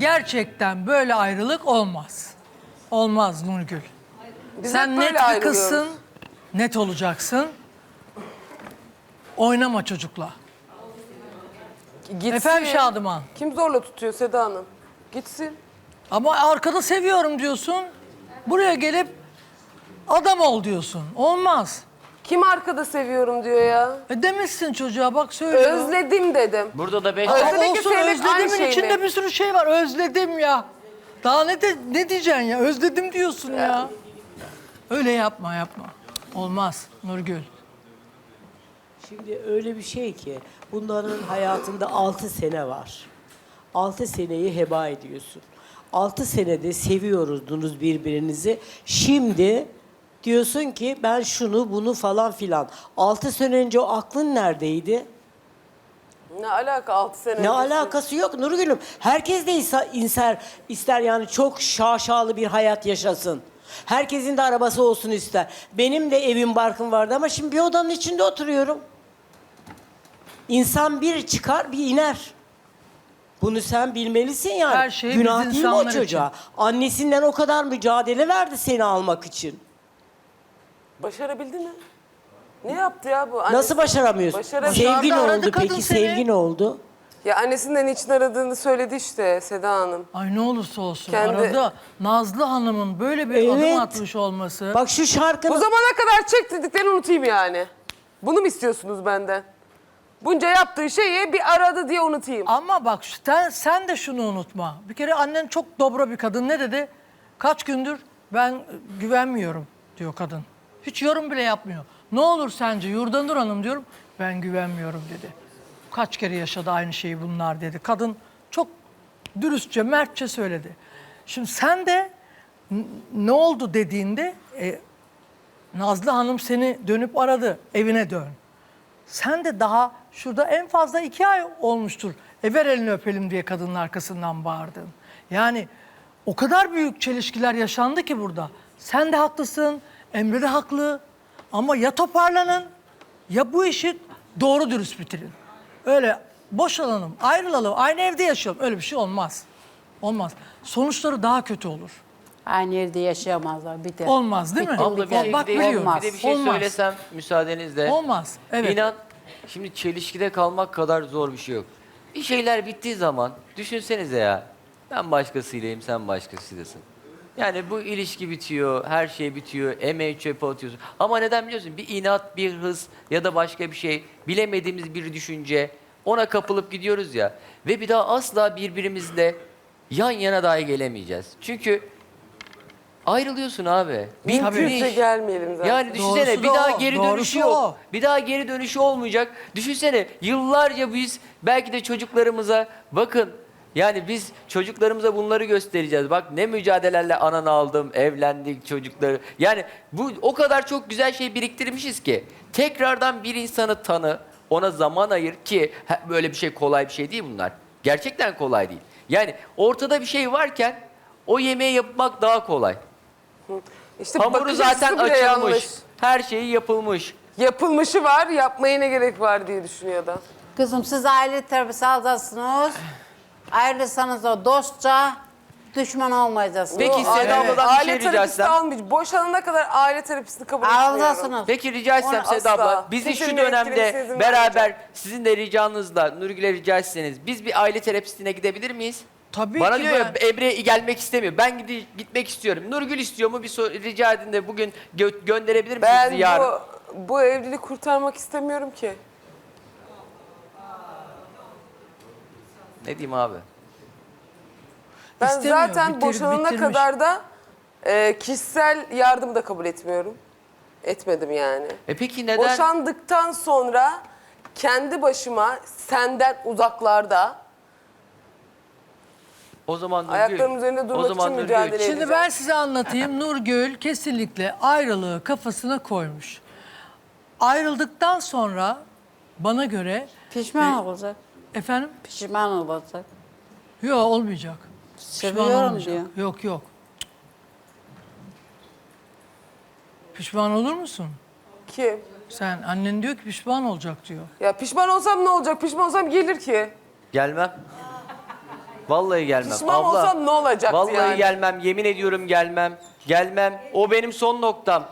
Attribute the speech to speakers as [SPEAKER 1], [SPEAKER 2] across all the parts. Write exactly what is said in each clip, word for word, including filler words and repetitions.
[SPEAKER 1] gerçekten böyle ayrılık olmaz. Olmaz Nurgül.
[SPEAKER 2] Biz
[SPEAKER 1] Sen
[SPEAKER 2] hep
[SPEAKER 1] net
[SPEAKER 2] böyle
[SPEAKER 1] bir
[SPEAKER 2] ayrılıyoruz.
[SPEAKER 1] kızsın, net olacaksın. Oynama çocukla.
[SPEAKER 2] Gitsin.
[SPEAKER 1] Efendim Şadıman.
[SPEAKER 2] Kim zorla tutuyor Seda Hanım? Gitsin.
[SPEAKER 1] Ama arkada seviyorum diyorsun. Buraya gelip adam ol diyorsun. Olmaz.
[SPEAKER 2] Kim arkada seviyorum diyor ya.
[SPEAKER 1] E demişsin çocuğa bak söylüyor.
[SPEAKER 2] Özledim dedim.
[SPEAKER 3] Burada da beş
[SPEAKER 2] Özledim.
[SPEAKER 3] tane...
[SPEAKER 2] Özledeki
[SPEAKER 1] Olsun
[SPEAKER 2] sevmek aynı
[SPEAKER 1] özledimin
[SPEAKER 2] şey
[SPEAKER 1] içinde
[SPEAKER 2] mi?
[SPEAKER 1] bir sürü şey var. Özledim ya. Daha ne de, ne diyeceksin ya? Özledim diyorsun ya. Öyle yapma yapma. Olmaz Nurgül.
[SPEAKER 4] Şimdi öyle bir şey ki bunların hayatında altı sene var. Altı seneyi heba ediyorsun. Altı senede seviyordunuz birbirinizi. Şimdi diyorsun ki ben şunu bunu falan filan. Altı sene önce o aklın neredeydi?
[SPEAKER 2] Ne alaka altı sene
[SPEAKER 4] Ne
[SPEAKER 2] öncesi?
[SPEAKER 4] alakası yok Nurgül'üm. Herkes de insa- inser, ister yani çok şaşalı bir hayat yaşasın. Herkesin de arabası olsun ister. Benim de evim barkım vardı ama şimdi bir odanın içinde oturuyorum. İnsan bir çıkar bir iner. Bunu sen bilmelisin yani.
[SPEAKER 1] Her şey
[SPEAKER 4] Günah
[SPEAKER 1] biz
[SPEAKER 4] değil mi o
[SPEAKER 1] insanlar
[SPEAKER 4] çocuğa? Annesinden o kadar mücadele verdi seni almak için.
[SPEAKER 2] Başarabildi mi? Ne yaptı ya bu? Annesi-
[SPEAKER 4] Nasıl başaramıyorsun?
[SPEAKER 2] Başarabildi.
[SPEAKER 4] Sevgi ne
[SPEAKER 1] Aradı
[SPEAKER 4] oldu
[SPEAKER 1] kadın
[SPEAKER 4] peki?
[SPEAKER 1] seni.
[SPEAKER 4] Sevgi ne oldu?
[SPEAKER 2] Ya annesinden için aradığını söyledi işte Seda Hanım.
[SPEAKER 1] Ay ne olursa olsun
[SPEAKER 2] Kendi-
[SPEAKER 1] arada Nazlı Hanım'ın böyle bir
[SPEAKER 4] Evet.
[SPEAKER 1] adım atmış olması.
[SPEAKER 4] Bak şu şarkının...
[SPEAKER 2] Bu zamana kadar çektirdiklerini unutayım yani. Bunu mu istiyorsunuz benden? Bunca yaptığı şeyi bir aradı diye unutayım.
[SPEAKER 1] Ama bak sen, sen de şunu unutma. Bir kere annen çok dobra bir kadın. Ne dedi? Kaç gündür ben güvenmiyorum diyor kadın. Hiç yorum bile yapmıyor. Ne olur sence Yurdanur Hanım diyorum. Ben güvenmiyorum dedi. Kaç kere yaşadı aynı şeyi bunlar dedi. Kadın çok dürüstçe, mertçe söyledi. Şimdi sen de n- ne oldu dediğinde e, Nazlı Hanım seni dönüp aradı. Evine dön. Sen de daha şurada en fazla iki ay olmuştur. E ver elini öpelim diye kadının arkasından bağırdın. Yani o kadar büyük çelişkiler yaşandı ki burada. Sen de haklısın, Emre de haklı. Ama ya toparlanın ya bu işi doğru dürüst bitirin. Öyle boşalalım, ayrılalım, aynı evde yaşayalım. Öyle bir şey olmaz. Olmaz. Sonuçları daha kötü olur.
[SPEAKER 5] Aynı evde yaşayamazlar. Bir de.
[SPEAKER 1] Olmaz değil mi?
[SPEAKER 5] Bitti,
[SPEAKER 3] Abla bir
[SPEAKER 5] bitti.
[SPEAKER 3] şey,
[SPEAKER 1] Bak
[SPEAKER 3] bir de,
[SPEAKER 1] biliyorum.
[SPEAKER 3] bir de bir şey
[SPEAKER 1] Olmaz.
[SPEAKER 3] söylesem müsaadenizle.
[SPEAKER 1] Olmaz. Evet.
[SPEAKER 3] İnan şimdi çelişkide kalmak kadar zor bir şey yok. Bir şeyler bittiği zaman düşünsenize ya. Ben başkasıylayım, sen başkasıydasın. Yani bu ilişki bitiyor, her şey bitiyor, emeği çöpe atıyorsun. Ama neden biliyorsun? Bir inat, bir hız ya da başka bir şey, bilemediğimiz bir düşünce, ona kapılıp gidiyoruz ya. Ve bir daha asla birbirimizle yan yana dahi gelemeyeceğiz. Çünkü ayrılıyorsun abi.
[SPEAKER 2] Mümkünse
[SPEAKER 3] Bitmiş.
[SPEAKER 2] gelmeyelim zaten.
[SPEAKER 3] Yani düşünsene
[SPEAKER 1] Doğrusu
[SPEAKER 3] bir
[SPEAKER 1] da
[SPEAKER 3] daha
[SPEAKER 1] o,
[SPEAKER 3] geri
[SPEAKER 1] doğrusu
[SPEAKER 3] dönüşü yok.
[SPEAKER 1] o.
[SPEAKER 3] Bir daha geri dönüşü olmayacak. Düşünsene yıllarca biz belki de çocuklarımıza bakın yani biz çocuklarımıza bunları göstereceğiz. Bak ne mücadelelerle ananı aldım, evlendik çocukları. Yani bu o kadar çok güzel şey biriktirmişiz ki tekrardan bir insanı tanı, ona zaman ayır ki ha, böyle bir şey kolay bir şey değil bunlar. Gerçekten kolay değil. Yani ortada bir şey varken o yemeği yapmak daha kolay.
[SPEAKER 2] İşte
[SPEAKER 3] Hamuru
[SPEAKER 2] bakış
[SPEAKER 3] zaten
[SPEAKER 2] açısı bile
[SPEAKER 3] açılmış.
[SPEAKER 2] yanlış.
[SPEAKER 3] Her şeyi yapılmış.
[SPEAKER 2] Yapılmışı var, yapmaya ne gerek var diye düşünüyor da.
[SPEAKER 5] Kızım siz aile terapisi alacaksınız. Ayrılırsanız da dostça düşman olmayacaksınız.
[SPEAKER 3] Peki
[SPEAKER 2] Yo,
[SPEAKER 3] Seda
[SPEAKER 2] aile-
[SPEAKER 3] abladan bir
[SPEAKER 2] aile
[SPEAKER 3] şey rica
[SPEAKER 2] terapisti
[SPEAKER 3] etsem.
[SPEAKER 2] almayacağım. Boşanana kadar aile terapistini kabul etmiyorum.
[SPEAKER 5] Alacaksınız.
[SPEAKER 3] Peki rica etsem
[SPEAKER 2] Ona
[SPEAKER 3] Seda
[SPEAKER 2] asla.
[SPEAKER 3] abla, bizi
[SPEAKER 2] Kimsenin
[SPEAKER 3] şu
[SPEAKER 2] gerektirirse
[SPEAKER 3] dönemde
[SPEAKER 2] izin
[SPEAKER 3] beraber
[SPEAKER 2] vermeyeceğim.
[SPEAKER 3] sizin de ricanızla Nurgül'e rica etseniz biz bir aile terapistine gidebilir miyiz?
[SPEAKER 1] Tabii
[SPEAKER 3] Bana
[SPEAKER 1] ki
[SPEAKER 3] diyor ya
[SPEAKER 1] ben-
[SPEAKER 3] Emre gelmek istemiyor. Ben gide- gitmek istiyorum. Nurgül istiyor mu? Bir sor- rica edin de bugün gö- gönderebilir misiniz
[SPEAKER 2] Ben
[SPEAKER 3] bizi yarın?
[SPEAKER 2] bu, bu evliliği kurtarmak istemiyorum ki.
[SPEAKER 3] Ne diyeyim abi?
[SPEAKER 2] Ben
[SPEAKER 1] İstemiyor,
[SPEAKER 2] zaten
[SPEAKER 1] bitir-
[SPEAKER 2] boşanana
[SPEAKER 1] bitirmiş.
[SPEAKER 2] kadar da e, kişisel yardımı da kabul etmiyorum. Etmedim yani.
[SPEAKER 3] E peki neden?
[SPEAKER 2] Boşandıktan sonra kendi başıma senden uzaklarda
[SPEAKER 3] O zaman Nurgül.
[SPEAKER 2] ayaklarım üzerinde
[SPEAKER 3] o
[SPEAKER 2] durmak
[SPEAKER 3] zaman
[SPEAKER 2] için
[SPEAKER 3] Nurgül,
[SPEAKER 2] mücadele edeceğim.
[SPEAKER 1] Şimdi ben size anlatayım. Nurgül kesinlikle ayrılığı kafasına koymuş. Ayrıldıktan sonra bana göre
[SPEAKER 5] Pişman olacak.
[SPEAKER 1] efendim
[SPEAKER 5] Pişman olacak.
[SPEAKER 1] yok olmayacak. Pişman
[SPEAKER 5] Seviyorum
[SPEAKER 1] olmayacak.
[SPEAKER 5] diyor.
[SPEAKER 1] Yok yok. Pişman olur musun?
[SPEAKER 2] Kim?
[SPEAKER 1] Sen annen diyor ki pişman olacak diyor.
[SPEAKER 2] Ya pişman olsam ne olacak? Pişman olsam gelir ki.
[SPEAKER 3] Gelmem. Vallahi gelmem.
[SPEAKER 2] Pişman
[SPEAKER 3] Abla,
[SPEAKER 2] olsan ne olacaktı
[SPEAKER 3] vallahi
[SPEAKER 2] yani?
[SPEAKER 3] gelmem. Yemin ediyorum gelmem. Gelmem. O benim son noktam.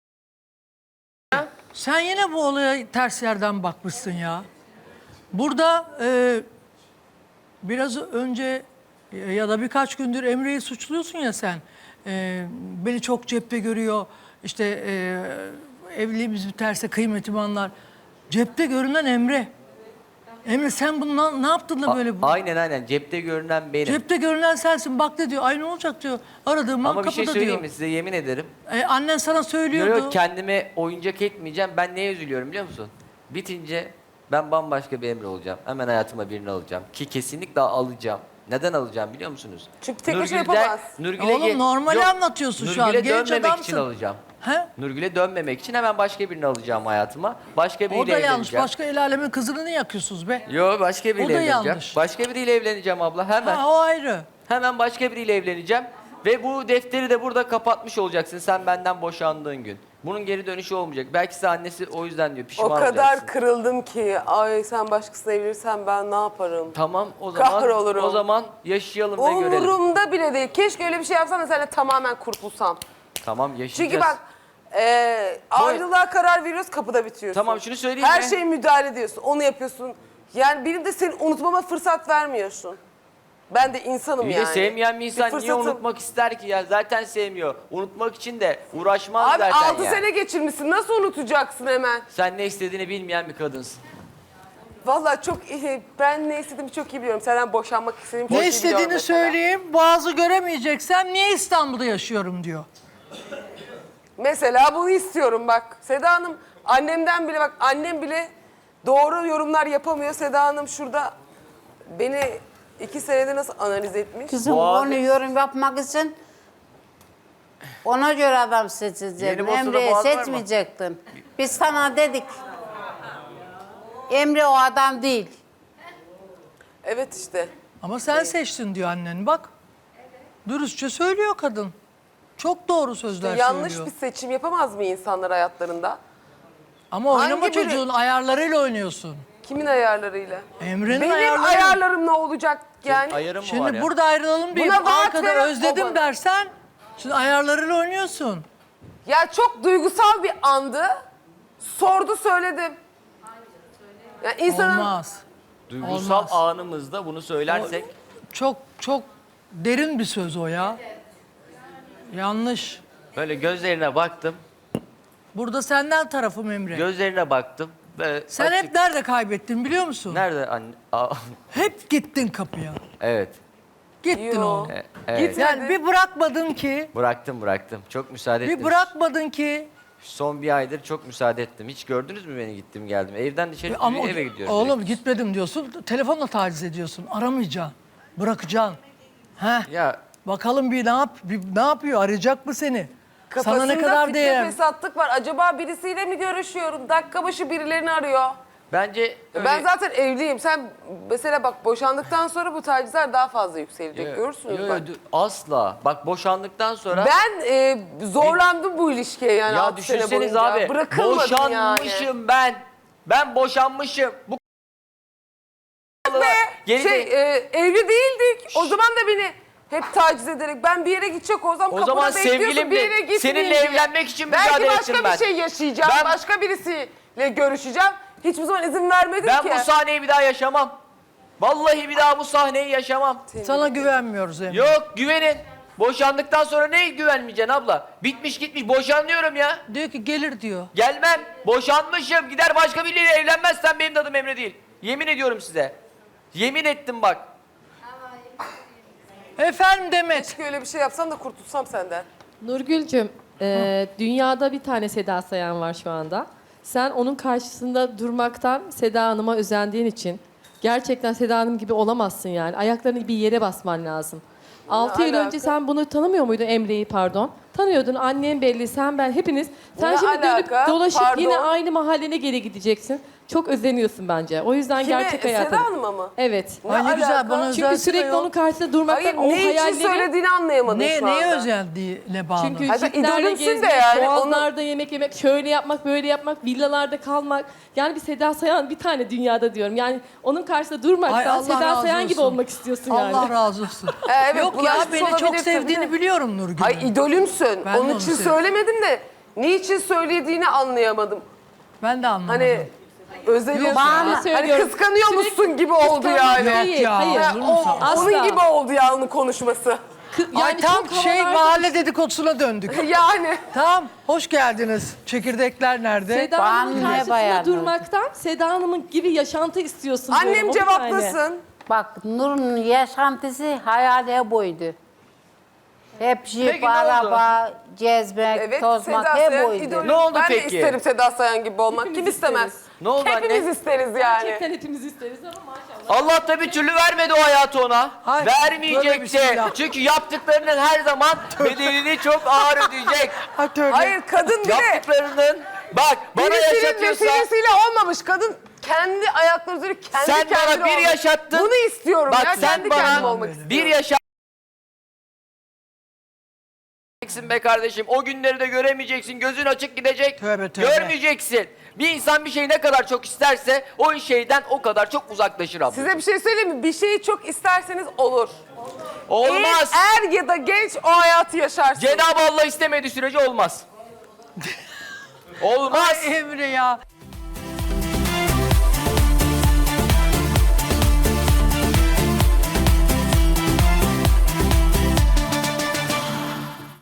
[SPEAKER 1] Sen yine bu olaya ters yerden bakmışsın ya. Burada e, biraz önce e, ya da birkaç gündür Emre'yi suçluyorsun ya sen. E, beni çok cepte görüyor. İşte e, evliliğimiz biterse kıymetimi anlar. Cepte görünen Emre. Emre sen bunu na- ne yaptın da böyle bu?
[SPEAKER 3] Aynen aynen. Cepte görünen benim.
[SPEAKER 1] Cepte görünen sensin. Bak ne diyor. Ay ne olacak diyor. Aradığım an
[SPEAKER 3] Ama bir
[SPEAKER 1] kapıda
[SPEAKER 3] şey söyleyeyim
[SPEAKER 1] diyor.
[SPEAKER 3] mi size, yemin ederim.
[SPEAKER 1] E, annen sana
[SPEAKER 3] Yok
[SPEAKER 1] söylüyordu.
[SPEAKER 3] yok, kendime oyuncak etmeyeceğim. Ben neye üzülüyorum biliyor musun? Bitince ben bambaşka bir Emre olacağım. Hemen hayatıma birini alacağım. Ki kesinlikle alacağım. Neden alacağım biliyor musunuz?
[SPEAKER 2] Çünkü tek başına
[SPEAKER 3] Nurgül'den-
[SPEAKER 2] yapamaz.
[SPEAKER 3] Nurgül'e
[SPEAKER 1] Oğlum,
[SPEAKER 3] ge-
[SPEAKER 1] normali
[SPEAKER 3] Yok,
[SPEAKER 1] anlatıyorsun şu an.
[SPEAKER 3] Nurgül'e
[SPEAKER 1] Genç
[SPEAKER 3] dönmemek için
[SPEAKER 1] adamsın.
[SPEAKER 3] alacağım.
[SPEAKER 1] He?
[SPEAKER 3] Nurgül'e dönmemek için hemen başka birini alacağım hayatıma. Başka biriyle
[SPEAKER 1] O da yanlış.
[SPEAKER 3] evleneceğim.
[SPEAKER 1] Başka el alemin kızını niye yakıyorsunuz be?
[SPEAKER 3] Yo, başka biriyle
[SPEAKER 1] O da
[SPEAKER 3] evleneceğim.
[SPEAKER 1] yanlış.
[SPEAKER 3] Başka biriyle evleneceğim abla hemen.
[SPEAKER 1] Ha, o ayrı.
[SPEAKER 3] Hemen başka biriyle evleneceğim. Ve bu defteri de burada kapatmış olacaksın sen benden boşandığın gün. Bunun geri dönüşü olmayacak. Belki size annesi o yüzden diyor pişman
[SPEAKER 2] O kadar
[SPEAKER 3] olacaksın.
[SPEAKER 2] kırıldım ki. Ay sen başkasına evlenirsen ben ne yaparım?
[SPEAKER 3] Tamam o zaman
[SPEAKER 2] Kahrolurum.
[SPEAKER 3] o zaman yaşayalım ve görelim.
[SPEAKER 2] Umurumda bile değil. Keşke öyle bir şey yapsam da seninle tamamen kurtulsam.
[SPEAKER 3] Tamam yaşayacağız.
[SPEAKER 2] Çünkü bak e, ayrılığa karar veriyoruz, kapıda bitiriyorsun.
[SPEAKER 3] Tamam, şunu söyleyeyim
[SPEAKER 2] Her
[SPEAKER 3] mi?
[SPEAKER 2] şeye müdahale ediyorsun. Onu yapıyorsun. Yani benim de seni unutmama fırsat vermiyorsun. Ben de insanım
[SPEAKER 3] Bir
[SPEAKER 2] yani.
[SPEAKER 3] de sevmeyen bir insan niye
[SPEAKER 2] fırsatım-
[SPEAKER 3] unutmak ister ki ya? Zaten sevmiyor. Unutmak için de uğraşmaz
[SPEAKER 2] Abi
[SPEAKER 3] zaten
[SPEAKER 2] altı
[SPEAKER 3] ya.
[SPEAKER 2] sene geçirmişsin. Nasıl unutacaksın hemen?
[SPEAKER 3] Sen ne istediğini bilmeyen bir kadınsın.
[SPEAKER 2] Vallahi çok iyi. Ben ne istediğimi çok iyi biliyorum. Senden boşanmak istediğimi çok
[SPEAKER 1] Ne
[SPEAKER 2] iyi biliyorum
[SPEAKER 1] istediğini
[SPEAKER 2] mesela.
[SPEAKER 1] söyleyeyim. Boğazı göremeyeceksem niye İstanbul'da yaşıyorum diyor.
[SPEAKER 2] Mesela bunu istiyorum bak. Seda Hanım annemden bile bak annem bile doğru yorumlar yapamıyor. Seda Hanım şurada beni iki senede nasıl analiz etmiş?
[SPEAKER 5] Kızım
[SPEAKER 3] Boğaz-
[SPEAKER 5] onu yorum yapmak için ona göre adam seçecektin.
[SPEAKER 3] Yeni Bosna'da
[SPEAKER 5] Emre'yi
[SPEAKER 3] boğaz var mı?
[SPEAKER 5] seçmeyecektin. Biz sana dedik. Emre o adam değil.
[SPEAKER 2] Evet işte.
[SPEAKER 1] Ama sen seçtin diyor annen bak. Dürüstçe söylüyor kadın. Çok doğru sözler
[SPEAKER 2] Yanlış
[SPEAKER 1] söylüyor.
[SPEAKER 2] bir seçim yapamaz mı insanlar hayatlarında?
[SPEAKER 1] Ama oynama
[SPEAKER 2] Hangi biri-
[SPEAKER 1] çocuğun ayarlarıyla oynuyorsun.
[SPEAKER 2] Kimin ayarlarıyla?
[SPEAKER 1] Emre'nin
[SPEAKER 2] Benim
[SPEAKER 1] ayarları.
[SPEAKER 2] ayarlarım ne olacak yani?
[SPEAKER 3] Ayarım mı var
[SPEAKER 1] Şimdi
[SPEAKER 3] ya?
[SPEAKER 1] burada ayrılalım diye
[SPEAKER 2] Buna vaat
[SPEAKER 1] arkada
[SPEAKER 2] veren
[SPEAKER 1] özledim
[SPEAKER 2] baba.
[SPEAKER 1] dersen şimdi ayarlarıyla oynuyorsun.
[SPEAKER 2] Ya çok duygusal bir andı. Sordu söyledim. Ya insanın
[SPEAKER 1] Olmaz.
[SPEAKER 3] Duygusal
[SPEAKER 1] Olmaz.
[SPEAKER 3] anımızda bunu söylersek
[SPEAKER 1] Çok çok derin bir söz o ya. Yanlış.
[SPEAKER 3] böyle gözlerine baktım.
[SPEAKER 1] Burada senden tarafım Emre.
[SPEAKER 3] Gözlerine baktım. Böyle
[SPEAKER 1] Sen
[SPEAKER 3] açık-
[SPEAKER 1] hep nerede kaybettin biliyor musun?
[SPEAKER 3] Nerede anne? Aa,
[SPEAKER 1] Hep gittin kapıya.
[SPEAKER 3] evet.
[SPEAKER 1] Gittin
[SPEAKER 2] Yo.
[SPEAKER 1] oğlum.
[SPEAKER 3] E- evet.
[SPEAKER 2] Gitme.
[SPEAKER 1] Yani bir bırakmadın ki,
[SPEAKER 3] Bıraktım bıraktım. Çok müsaade ettim.
[SPEAKER 1] bir bırakmadın ki.
[SPEAKER 3] Son bir aydır çok müsaade ettim. Hiç gördünüz mü beni gittim geldim. Evden dışarı
[SPEAKER 1] Ama
[SPEAKER 3] eve gidiyoruz.
[SPEAKER 1] oğlum
[SPEAKER 3] direkt.
[SPEAKER 1] gitmedim diyorsun, telefonla taciz ediyorsun. Aramayacaksın, bırakacaksın. Heh.
[SPEAKER 3] Ya
[SPEAKER 1] Bakalım bir ne yap, bir ne yapıyor? Arayacak mı seni?
[SPEAKER 2] kafasında
[SPEAKER 1] Sana ne kadar
[SPEAKER 2] fitne
[SPEAKER 1] değer?
[SPEAKER 2] fesatlık var. Acaba birisiyle mi görüşüyorum? Dakika başı birilerini arıyor.
[SPEAKER 3] bence öyle...
[SPEAKER 2] Ben zaten evliyim. Sen mesela bak boşandıktan sonra bu tacizler daha fazla yükselecek.
[SPEAKER 3] Yo-
[SPEAKER 2] Görürsünüz
[SPEAKER 3] yo- yo,
[SPEAKER 2] bak.
[SPEAKER 3] dü- asla. Bak boşandıktan sonra...
[SPEAKER 2] Ben e, zorlandım bu ilişkiye yani
[SPEAKER 3] ya
[SPEAKER 2] altı sene
[SPEAKER 3] düşünseniz
[SPEAKER 2] boyunca.
[SPEAKER 3] abi.
[SPEAKER 2] Bırakılmadım
[SPEAKER 3] Boşanmışım
[SPEAKER 2] yani.
[SPEAKER 3] ben. Ben boşanmışım. Bu Geri
[SPEAKER 2] Şey
[SPEAKER 3] de-
[SPEAKER 2] e, evli değildik. O zaman da beni hep taciz ederek ben bir yere gidecek olsam
[SPEAKER 3] O
[SPEAKER 2] kapıda
[SPEAKER 3] zaman
[SPEAKER 2] bekliyorsun
[SPEAKER 3] sevgilimdi.
[SPEAKER 2] bir yere gitmeyeyim
[SPEAKER 3] Seninle
[SPEAKER 2] diye.
[SPEAKER 3] evlenmek için
[SPEAKER 2] Belki
[SPEAKER 3] mücadele
[SPEAKER 2] başka
[SPEAKER 3] ettim
[SPEAKER 2] bir
[SPEAKER 3] ben.
[SPEAKER 2] şey yaşayacağım.
[SPEAKER 3] Ben-
[SPEAKER 2] Başka birisiyle görüşeceğim. Hiçbir zaman izin vermedin
[SPEAKER 3] ben
[SPEAKER 2] ki.
[SPEAKER 3] bu sahneyi bir daha yaşamam. Vallahi bir daha bu sahneyi yaşamam.
[SPEAKER 1] Sana güvenmiyoruz Emre.
[SPEAKER 3] Yok güvenin. Boşandıktan sonra ne güvenmeyeceksin abla? Bitmiş gitmiş boşanıyorum ya.
[SPEAKER 1] Diyor ki gelir diyor.
[SPEAKER 3] Gelmem. Boşanmışım. Gider başka biriyle evlenmezsen benim de adım Emre değil. Yemin ediyorum size. Yemin ettim bak.
[SPEAKER 1] Efendim Demet.
[SPEAKER 2] Keşke öyle bir şey yapsam da kurtulsam senden.
[SPEAKER 6] Nurgül'cüm, e, dünyada bir tane Seda Sayan var şu anda. Sen onun karşısında durmaktan Seda Hanım'a özendiğin için gerçekten Seda Hanım gibi olamazsın yani. Ayaklarını bir yere basman lazım. Altı yıl
[SPEAKER 2] alaka?
[SPEAKER 6] önce sen bunu tanımıyor muydun, Emre'yi pardon? Tanıyordun, annen belli, sen ben hepiniz. Sen
[SPEAKER 2] Ne
[SPEAKER 6] şimdi dönüp
[SPEAKER 2] alaka?
[SPEAKER 6] dolaşıp
[SPEAKER 2] Pardon.
[SPEAKER 6] yine aynı mahallene geri gideceksin. çok özeniyorsun bence. O yüzden
[SPEAKER 2] Kime?
[SPEAKER 6] hayata.
[SPEAKER 2] Seda Hanım'a mı?
[SPEAKER 6] Evet.
[SPEAKER 2] Ne
[SPEAKER 1] Ay ne güzel
[SPEAKER 2] alaka?
[SPEAKER 1] bana
[SPEAKER 6] Çünkü
[SPEAKER 1] özelse de
[SPEAKER 6] sürekli
[SPEAKER 1] yok.
[SPEAKER 6] onun karşısında durmaktan
[SPEAKER 2] Hayır,
[SPEAKER 6] o
[SPEAKER 2] ne için
[SPEAKER 6] hayalleri...
[SPEAKER 2] söylediğini anlayamadım
[SPEAKER 1] Ne,
[SPEAKER 2] şu anda.
[SPEAKER 1] neye özelliğine bağlı?
[SPEAKER 6] Çünkü
[SPEAKER 2] Hayır, sen
[SPEAKER 6] jiplerle
[SPEAKER 2] idolümsün de
[SPEAKER 6] gezmek,
[SPEAKER 2] yani,
[SPEAKER 6] boğazlarda yemek yemek, şöyle yapmak, böyle yapmak, villalarda kalmak. Yani bir Seda Sayan bir tane dünyada diyorum. Yani onun karşısında
[SPEAKER 1] Ay,
[SPEAKER 6] durmaktan
[SPEAKER 1] Allah
[SPEAKER 6] Seda
[SPEAKER 1] razı
[SPEAKER 6] Sayan gibi
[SPEAKER 1] olsun.
[SPEAKER 6] olmak istiyorsun yani.
[SPEAKER 1] Allah razı olsun.
[SPEAKER 2] Ee, evet,
[SPEAKER 1] Yok ya
[SPEAKER 2] bulaşmış
[SPEAKER 1] beni çok
[SPEAKER 2] olabilirsin,
[SPEAKER 1] sevdiğini
[SPEAKER 2] değil mi?
[SPEAKER 1] biliyorum Nurgül.
[SPEAKER 2] Ay idolümsün.
[SPEAKER 1] Ben de
[SPEAKER 2] Onun
[SPEAKER 1] onu
[SPEAKER 2] için
[SPEAKER 1] seviyorum.
[SPEAKER 2] söylemedim de niçin söylediğini anlayamadım.
[SPEAKER 1] Ben de anlamadım.
[SPEAKER 2] Hani özeniyorsun.
[SPEAKER 5] Bana
[SPEAKER 2] Hani
[SPEAKER 6] söylüyorum.
[SPEAKER 2] kıskanıyor musun
[SPEAKER 6] Sürekli
[SPEAKER 2] gibi oldu
[SPEAKER 6] kıskanmak
[SPEAKER 2] yani.
[SPEAKER 6] değil,
[SPEAKER 1] ya.
[SPEAKER 6] hayır.
[SPEAKER 2] Ha, o,
[SPEAKER 6] Asla.
[SPEAKER 2] onun gibi oldu ya onun konuşması.
[SPEAKER 6] Kı-
[SPEAKER 1] Ay tam
[SPEAKER 6] çok
[SPEAKER 1] şey
[SPEAKER 6] havalarda-
[SPEAKER 1] mahalle dedikodusuna döndük.
[SPEAKER 2] Yani.
[SPEAKER 1] Tamam hoş geldiniz. Çekirdekler nerede?
[SPEAKER 6] Seda Hanım'ın
[SPEAKER 5] Bana ne
[SPEAKER 6] karşısında
[SPEAKER 5] bayan
[SPEAKER 6] durmaktan Seda Hanım'ın gibi yaşantı istiyorsun diyorum.
[SPEAKER 2] Annem
[SPEAKER 6] O bir tane.
[SPEAKER 2] cevaplasın.
[SPEAKER 5] Bak Nur'un yaşantısı hayali buydu. Hep jip,
[SPEAKER 3] Peki, ne oldu?
[SPEAKER 5] araba, gezmek,
[SPEAKER 2] Evet
[SPEAKER 5] tozmak
[SPEAKER 2] Seda
[SPEAKER 5] hep
[SPEAKER 2] Sayan
[SPEAKER 5] buydu.
[SPEAKER 2] idolüm.
[SPEAKER 3] Ne oldu
[SPEAKER 2] ben
[SPEAKER 3] peki?
[SPEAKER 2] de isterim Seda Sayan gibi olmak.
[SPEAKER 6] Hepimiz
[SPEAKER 2] Kim istemez?
[SPEAKER 6] isteriz.
[SPEAKER 3] Ne oldu
[SPEAKER 2] Hepimiz
[SPEAKER 3] anne?
[SPEAKER 2] isteriz yani.
[SPEAKER 6] Gerçekten hepimiz isteriz ama maşallah.
[SPEAKER 3] Allah da bir türlü vermedi o hayatı ona.
[SPEAKER 1] Hay, tövbe
[SPEAKER 3] Vermeyecek de.
[SPEAKER 1] bismillah.
[SPEAKER 3] Çünkü yaptıklarının her zaman bedelini çok ağır ödeyecek.
[SPEAKER 1] Ha, tövbe.
[SPEAKER 2] Hayır kadın bir de
[SPEAKER 3] Yaptıklarının bak bana
[SPEAKER 2] birisinin
[SPEAKER 3] yaşatıyorsa
[SPEAKER 2] vesilesiyle olmamış. Kadın kendi ayakları üzerine kendi
[SPEAKER 3] sen
[SPEAKER 2] kendine
[SPEAKER 3] bana bir
[SPEAKER 2] olmuş.
[SPEAKER 3] yaşattın.
[SPEAKER 2] Bunu istiyorum
[SPEAKER 3] Bak
[SPEAKER 2] ya.
[SPEAKER 3] sen
[SPEAKER 2] Kendi kendim
[SPEAKER 3] bana
[SPEAKER 2] olmak istiyorum.
[SPEAKER 3] bir yaşattın be kardeşim. O günleri de göremeyeceksin. Gözün açık gidecek.
[SPEAKER 1] Tövbe, tövbe.
[SPEAKER 3] Görmeyeceksin. Bir insan bir şeyi ne kadar çok isterse o şeyden o kadar çok uzaklaşır abla.
[SPEAKER 2] Size bir şey söyleyeyim mi? Bir şeyi çok isterseniz olur.
[SPEAKER 3] Olmaz.
[SPEAKER 2] Er, er ya da genç o hayatı yaşarsın.
[SPEAKER 3] Cenab-ı Allah istemediği sürece olmaz. Olmaz.
[SPEAKER 1] Ay Emre ya.